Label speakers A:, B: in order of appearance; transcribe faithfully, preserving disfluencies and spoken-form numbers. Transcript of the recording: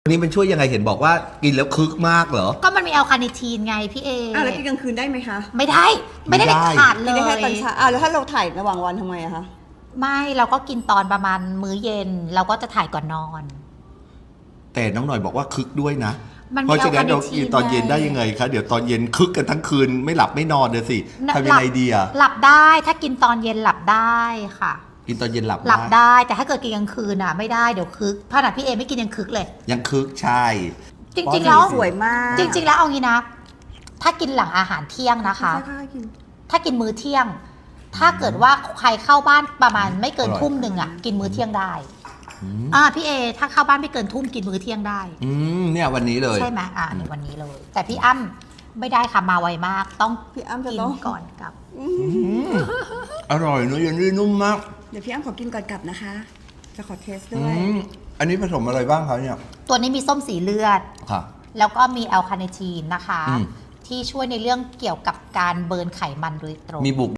A: อันนี้มันช่วยยังไงเห็นบอกว่ากินแล้วคึกมากเหรอ
B: ก็มันมีแอลคาเนทีนไงพี่เอ
C: อ่ะแล้วกินกลางคืนได้ไหมคะ
B: ไม่ได้ไม่ได้เด็ดขาดเล
C: กิน
B: ย
C: ได้แค่ตอนเช้าอ่ะแล้วถ้าเราถ่ายระหว่างวันทำไมอะคะ
B: ไม่เราก็กินตอนประมาณมื้อเย็นเราก็จะถ่ายก่อนนอน
A: แต่น้องหน่อยบอกว่าคึกด้วยนะ
B: มันมี
A: เพราะฉะนั้นเรากินตอนเย็นได้
B: ไง
A: ยังไงคะเดี๋ยวตอนเย็นคึกกันทั้งคืนไม่หลับไม่นอนเลยสิทำยังไงดีอะ
B: หลับได้ถ้ากินตอนเย็นหลับได้ค่ะ
A: กินตอนเย็นหลับ
B: หลับได้แต่ถ้าเกิดกินกลางคืนอ่ะไม่ได้เดี๋ยวคึกขนาดพี่เอไม่กินยังคึกเลย
A: ยังคึกใช่
B: จริงๆแล้ว
C: สวยมาก
B: จริงๆแล้วเอางี้นะถ้ากินหลังอาหารเที่ยงนะคะ
C: ค่อยๆกิน
B: ถ้ากินมื้อเที่ยง ถ้าเกิดว่าใครเข้าบ้านประมาณไม่เกินทุ่มหนึ่งอ่ะกินมื้อเที่ยงได้อ่าพี่เอถ้าเข้าบ้านไม่เกินทุ่มกินมื้อเที่ยงได้
A: อืมเนี่ยวันนี้เลย
B: ใช่ไหมอ่าในวันนี้เลย แต่พี่อ้ำไม่ได้ค่ะมาไวมากต้อง
C: พี่อ้ำจะ
B: กิน
C: ต้อง
B: ก่อนกับ
A: อร่อยเนื้อเย็นนุ่มมาก
C: เดี๋ยวพี่อ้ำขอกินก่อนกลับนะคะ จะขอเทสด้
A: อื
C: วย
A: มอันนี้ผสมอะไรบ้างครับเนี่ย
B: ตัวนี้มีส้มสีเลือด
A: ค่ะ
B: แล้วก็มีแอลคาเนทีนนะคะ
A: อืม
B: ที่ช่วยในเรื่องเกี่ยวกับการเบิร์นไขมันโดยตรง
A: มีบุก